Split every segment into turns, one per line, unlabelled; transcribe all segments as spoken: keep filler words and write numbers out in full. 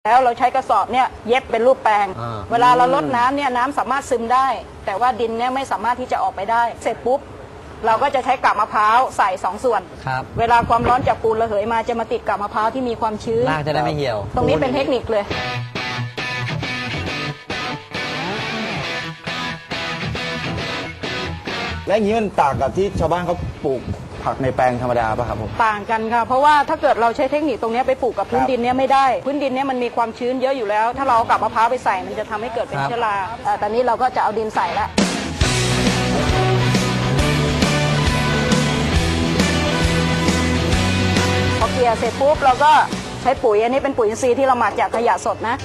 แล้วเราใช้กระสอบเนี่ยเย็บเป็นรูปแปลงเวลาเราลดน้ำเนี่ยน้ำสามารถซึมได้แต่ว่าดินเนี่ยไม่สามารถที่จะออกไปได้เสร็จปุ๊บเราก็จะใช้กาบมะพร้าวใส่สองส่วนเวลาความร้อนจากปูนระเหยมาจะมาติดกาบมะพร้าวที่มีความชื้น
รากจะได้ไม่เหี่ยว
ตรงนี้เป็นเทคนิคเลย
และอย่างนี้มันต่างกับที่ชาวบ้านเขาปลูกผักในแปลงธรรมดาป่ะครับผม
ต่างกันค่ะเพราะว่าถ้าเกิดเราใช้เทคนิคตรงนี้ไปปลูกกับพื้นดินเนี้ยไม่ได้พื้นดินเนี้ยมันมีความชื้นเยอะอยู่แล้วถ้าเราเอากาบมะพร้าวไปใส่มันจะทำให้เกิดเป็นเชื้อราแต่ตอนนี้เราก็จะเอาดินใส่แล้วพอเกลี่ยเสร็จปุ๊บเราก็ใช้ปุ๋ยอันนี้เป็นปุ๋ยอินทรีย์ที่เราหมักจากขยะสดนะ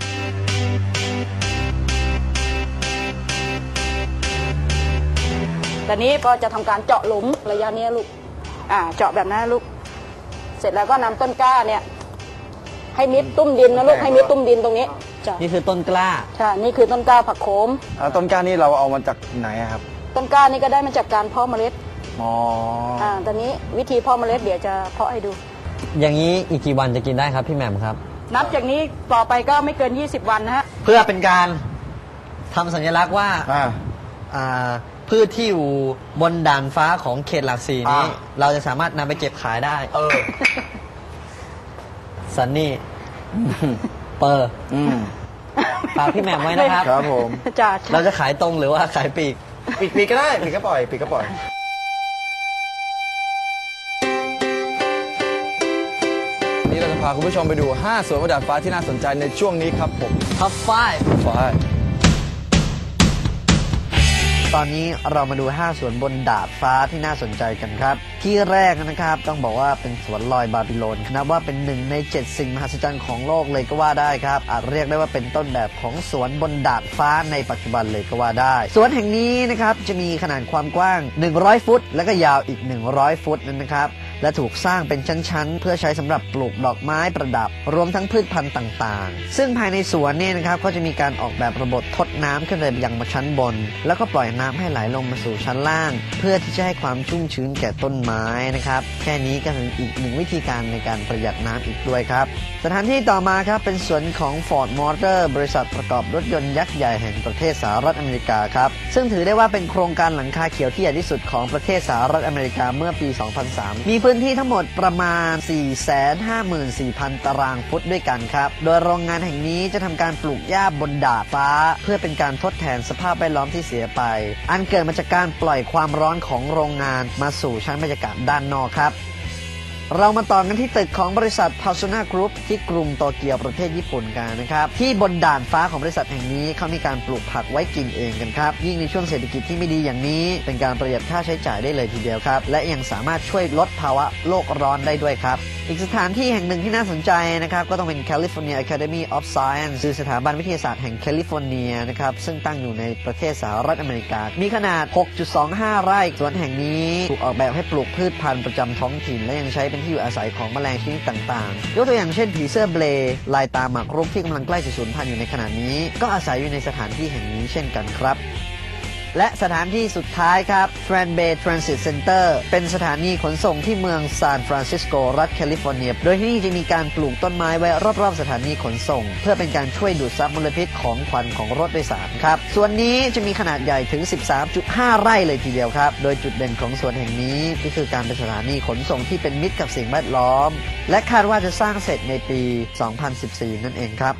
ตอนนี้ก็จะทำการเจาะหลุมระยะนี้ลูกอ่าเจาะแบบนั้นลูกเสร็จแล้วก็นำต้นกล้าเนี่ยให้มิดตุ้มดินนะลูกให้มิดตุ้มดินตรงนี้
นี่คือต้นกล้า
ใช่นี่คือต้นกล้าผักโขม
ต้นกล้านี่เราเอามาจากไหนครับ
ต้นกล้านี่ก็ได้มาจากการเพาะเมล็ด
อ๋อ
อ่าตอนนี้วิธีเพาะเมล็ดเดี๋ยวจะเพาะให้ดู
อย่างนี้อีกกี่วันจะกินได้ครับพี่แหม่มครับ
นับจากนี้ต่อไปก็ไม่เกินยี่สิบวันนะฮะ
เพื่อเป็นการทำสัญลักษณ์ว่าอ่าพืชที่อยู่บนด่านฟ้าของเขตหลักสี่นี้เราจะสามารถนำไปเก็บขายได้เออซันนี่เปอร์ฝากพี่แหม่มไว้นะครับ
ครับผม
เราจะขายตรงหรือว่าขายปีก
ปีกปีกก็ได้ปีกก็ปล่อยปีกก็ปล่อยนี่เราจะพาคุณผู้ชมไปดูห้าสวนบนดาดฟ้าที่น่าสนใจในช่วงนี้ครับผม
ท็อปไฟ
ไฟ
ตอนนี้เรามาดูห้าสวนบนดาดฟ้าที่น่าสนใจกันครับที่แรกนะครับต้องบอกว่าเป็นสวนลอยบาบิโลนนับว่าเป็นหนึ่งในเจ็ดสิ่งมหัศจรรย์ของโลกเลยก็ว่าได้ครับอาจเรียกได้ว่าเป็นต้นแบบของสวนบนดาดฟ้าในปัจจุบันเลยก็ว่าได้สวนแห่งนี้นะครับจะมีขนาดความกว้างหนึ่งร้อยฟุตและก็ยาวอีกหนึ่งร้อยฟุตนั่นนะครับและถูกสร้างเป็นชั้นๆเพื่อใช้สำหรับปลูกดอกไม้ประดับรวมทั้งพืชพันธุ์ต่างๆซึ่งภายในสวนเนี่ยนะครับก็จะมีการออกแบบระบบทดน้ำขึ้นไปยังมาชั้นบนแล้วก็ปล่อยน้ำให้ไหลลงมาสู่ชั้นล่างเพื่อที่จะให้ความชุ่มชื้นแก่ต้นไม้นะครับแค่นี้ก็เป็นอีกหนึ่งวิธีการในการประหยัดน้ำอีกด้วยครับสถานที่ต่อมาครับเป็นสวนของ Ford Motor บริษัทประกอบรถยนต์ยักษ์ใหญ่แห่งประเทศสหรัฐอเมริกาครับซึ่งถือได้ว่าเป็นโครงการหลังคาเขียวที่ใหญ่ที่สุดของประเทศสหรัฐอเมริกาเมื่อปี สองพันสาม มีพื้นที่ทั้งหมดประมาณ สี่แสนห้าหมื่นสี่พัน ตารางฟุตด้วยกันครับโดยโรงงานแห่งนี้จะทำการปลูกหญ้าบนดาดฟ้าเพื่อเป็นการทดแทนสภาพแวดล้อมที่เสียไปอันเกิดมาจากการปล่อยความร้อนของโรงงานมาสู่ชั้นบรรยากาศด้านนอกครับเรามาต่อกันที่ตึกของบริษัท Pasona Group ที่กรุงโตเกียวประเทศญี่ปุ่นกันนะครับที่บนด่านฟ้าของบริษัทแห่งนี้เขามีการปลูกผักไว้กินเองกันครับยิ่งในช่วงเศรษฐกิจที่ไม่ดีอย่างนี้เป็นการประหยัดค่าใช้จ่ายได้เลยทีเดียวครับและยังสามารถช่วยลดภาวะโลกร้อนได้ด้วยครับอีกสถานที่แห่งหนึ่งที่น่าสนใจนะครับก็ต้องเป็น California Academy of Science คือสถาบันวิทยาศาสตร์แห่งแคลิฟอร์เนียนะครับซึ่งตั้งอยู่ในประเทศสหรัฐอเมริกามีขนาด หกจุดสองห้า ไร่สวนแห่งนี้ถูกออกแบบให้ปลูกพืชพันธุ์ประจำท้องถิ่นและยังใช้เป็นที่อยู่อาศัยของแมลงชนิดต่างๆยกตัวอย่างเช่นผีเสื้อเบลย์ลายตาหมากรุกที่กำลังใกล้จะสูญพันธุ์อยู่ในขณะนี้ก็อาศัยอยู่ในสถานที่แห่งนี้เช่นกันครับและสถานที่สุดท้ายครับ Tran Bay Transit Center เป็นสถานีขนส่งที่เมืองซานฟรานซิสโกรัฐแคลิฟอร์เนียโดยที่นี่จะมีการปลูกต้นไม้ไว้รอบๆสถานีขนส่งเพื่อเป็นการช่วยดูดซับมลพิษของควันของรถโดยสารครับส่วนนี้จะมีขนาดใหญ่ถึง สิบสามจุดห้า ไร่เลยทีเดียวครับโดยจุดเด่นของสวนแห่งนี้ก็คือการเป็นสถานีขนส่งที่เป็นมิตรกับสิ่งแวดล้อมและคาดว่าจะสร้างเสร็จในปี สองพันสิบสี่ นั่นเองครับ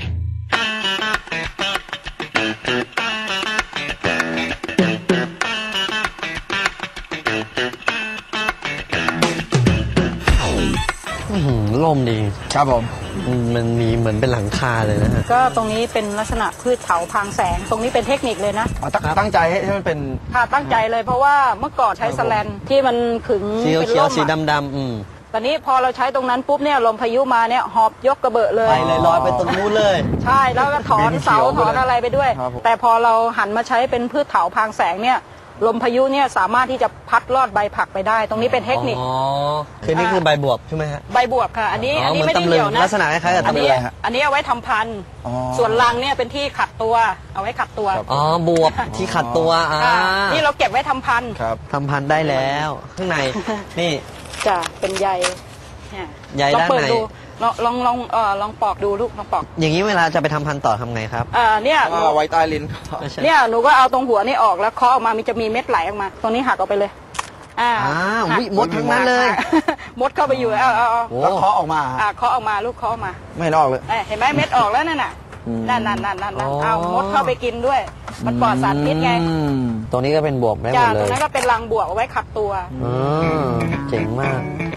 ร่มดี
ครับผม
มันมีเหมือนเป็นหลังคาเลยนะฮะ
ก็ตรงนี้เป็นลักษณะพืชเถาพางแสงตรงนี้เป็นเทคนิคเลยนะ
ตั้งใจให้มันเป็น
ค่ะตั้งใจเลยเพราะว่าเมื่อก่อนใช้สแลนที่มันขึง
เป็นร่มสีดำๆอืม
ตอนนี้พอเราใช้ตรงนั้นปุ๊บเนี่ยลมพายุมาเนี่ยหอบยกกระเบอะเลย
ไปเลยลอยไปตรงนู้นเลย
ใช่แล้วก็ถอนเสาถอนอะไรไปด้วยแต่พอเราหันมาใช้เป็นพืชเถาพางแสงเนี่ยลมพายุเนี่ยสามารถที่จะพัดลอดใบผักไปได้ตรงนี้เป็นเทคนิค
อ๋อคือนี่คือใบบวบใช่ไหมฮะ
ใบบวบค่ะอันนี้อันนี้ไม่ได้เกี่ยวนะ
ลักษณะคล้ายกับตำลึง
อันนี้เอาไว้ทำพันธุ์ส่วนรังเนี่ยเป็นที่ขัดตัวเอาไว้ขัดตัว
อ๋อบวบที่ขัดตัวอ่า
นี่เราเก็บไว้ทำพันธุ์
ทำพันธุ์ได้แล้วข้างในนี่
จะเป็นใย
ใยด้านใน
ลองลองลองเออลองปอกดูลูกลองปอก
อย่างนี้เวลาจะไปทำพันธุ์ต่อทำไงครับ
อ่าเนี่ยหนู
เอาไว้ใต้ลิ้น
เนี่ยหนูก็เอาตรงหัวนี่ออกแล้วเคาะออกมามันจะมีเม็ดไหลออกมาตรงนี้หักออกไปเลยอ่า
อ้าว
หัก
วิมดทั้งนั้นเลย
มดเข้าไปอยู่เอาเอาเอา
โอ้
แล้วเคาะออกมา
อ่าเคาะออกมาลูกเคาะออกมา
ไม่ออกเลย
เอ้ยเห็นไหมเม็ดออกแล้วนั่นน่ะ
อืม
นั่นนั่นนั่นนั่นนั่นเอามดเข้าไปกินด้วย มันปลอดสารพิษไง
อืม
ตรงนี้ก็เป็นบวกได้หม
จ้า
ดเล
ตรง
ย
นั้นก็เป็นรังบวกเอาไว้ขับตัว
อืมเจ๋งมาก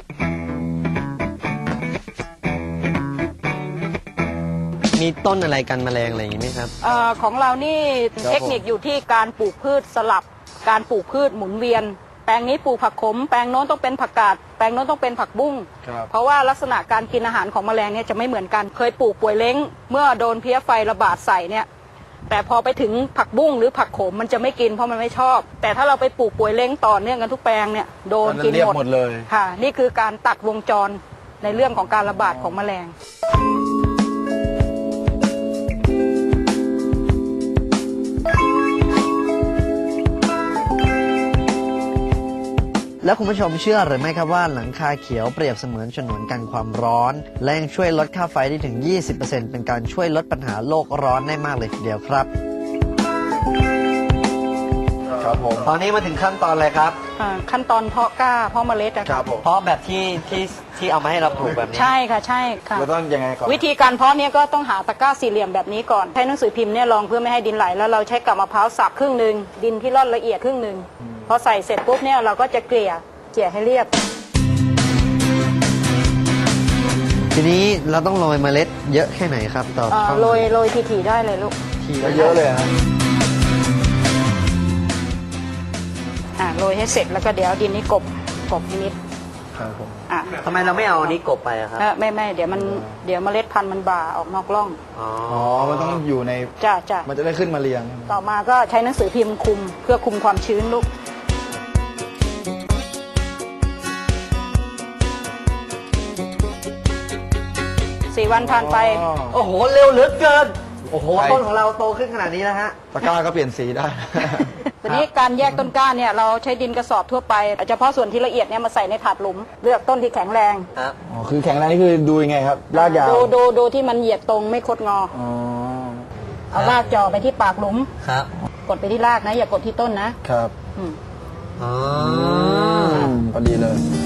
มีต้นอะไรกันแมลงอะไรอย่างนี้ไหมครับ
เอ่อของเรานี่เทคนิคอยู่ที่การปลูกพืชสลับ การปลูกพืชหมุนเวียน แปลงนี้ปลูกผักขม แปลงโน้นต้องเป็นผักกาด แปลงโน้นต้องเป็นผักบุ้ง
ครับ
เพราะว่าลักษณะการกินอาหารของแมลงเนี่ยจะไม่เหมือนกัน เคยปลูกป่วยเล้งเมื่อโดนเพี้ยไฟระบาดใส่เนี่ย แต่พอไปถึงผักบุ้งหรือผักโขมมันจะไม่กินเพราะมันไม่ชอบ แต่ถ้าเราไปปลูกป่วยเล้งต่อเนื่องกันทุกแปลงเนี่ยโดนกิน
เรียบ
หมด
หมดเลย
ค่ะ นี่คือการตัดวงจรในเรื่องของการระบาดของแมลง
แล้วคุณผู้ชมเชื่อหรือไม่ครับว่าหลังคาเขียวเปรียบเสมือนฉนวนกันความร้อน และยังช่วยลดค่าไฟได้ถึง ยี่สิบเปอร์เซ็นต์ เป็นการช่วยลดปัญหาโลกร้อนได้มากเลยทีเดียวครับ
ครับผม
ตอนนี้มาถึงขั้นตอนอะไรครับ
อ่าขั้นตอนเพาะกล้าเพาะเมล็ดอะ
ค
ค่ะ
รับผม
เพราะแบบที่ที่ที่เอามาให้เราปลูกแบบนี้
ใช่ค่ะใช่ค่ะ
แล้วต้องยังไงก่อน
วิธีการเพาะเนี่ยก็ต้องหาตะกร้าสี่เหลี่ยมแบบนี้ก่อนใช้หนังสือพิมพ์เนี่ยรองเพื่อไม่ให้ดินไหลแล้วเราใช้กับมะพร้าวสับครึ่งหนึ่งดินที่ร่อนละเอียดครึ่งหนึ่งพอใส่เสร็จปุ๊บเนี่ยเราก็จะเกลี่ยเกลี่ยให้เรียบ
ทีนี้เราต้องโรยเมล็ดเยอะแค่ไหนครับต่อ
เอ่อ
ช่อง
โรยโรยทีๆได้เลยลูก
ที
เยอะเลยนะ
อ่าโรยให้เสร็จแล้วก็เดี๋ยวดินนี้กบกบนิด
ครับผม
อ่ะ
ทำไมเราไม่เอาอันนี้กบไปอะครับ
เอ่อไม่ไม่เดี๋ยวมันเดี๋ยวเมล็ดพันธุ์มันบ่าออกนอกร่อง
อ๋อ
อ๋อ มันต้องอยู่ใน
จ้าจ้า
มันจะได้ขึ้นมาเรียง
ต่อมาก็ใช้หนังสือพิมพ์คุมเพื่อคุมความชื้นลูกสี่วันผ่านไป
อ๋อ
โอ้โห เร็วเหลือเกิน โอ้โห
ใช่
ต้นของเราโตขึ้นขนาดนี้แล้วฮะ
ตะกร้าก็เปลี่ยนสีได้
ทีนี้การแยกต้นกล้าเนี่ยเราใช้ดินกระสอบทั่วไปเฉพาะส่วนที่ละเอียดเนี่ยมาใส่ในถาดหลุม เลือกต้นที่แข็งแรง
ครับ
อ๋อ คือแข็งแรงนี่คือดูยังไงครับ รากยาว
ดูดูดูที่มันเหยียดตรงไม่คดงอ
อ๋อ
เอารากจ่อไปที่ปากหลุม
ครับ
กดไปที่รากนะ อย่ากดที่ต้นนะครับ อืม
อ๋อ
อืมพอดีเลย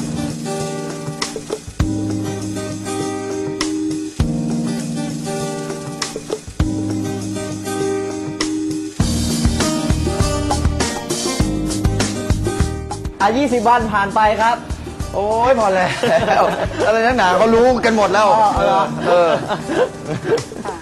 อ่ะยี่สิบวันผ่านไปครับ
โอ้ยพอแล้ว อะไรนักหนาเขารู้กันหมดแล้ว
อ๋อเหรอ
เออ
ค่ะ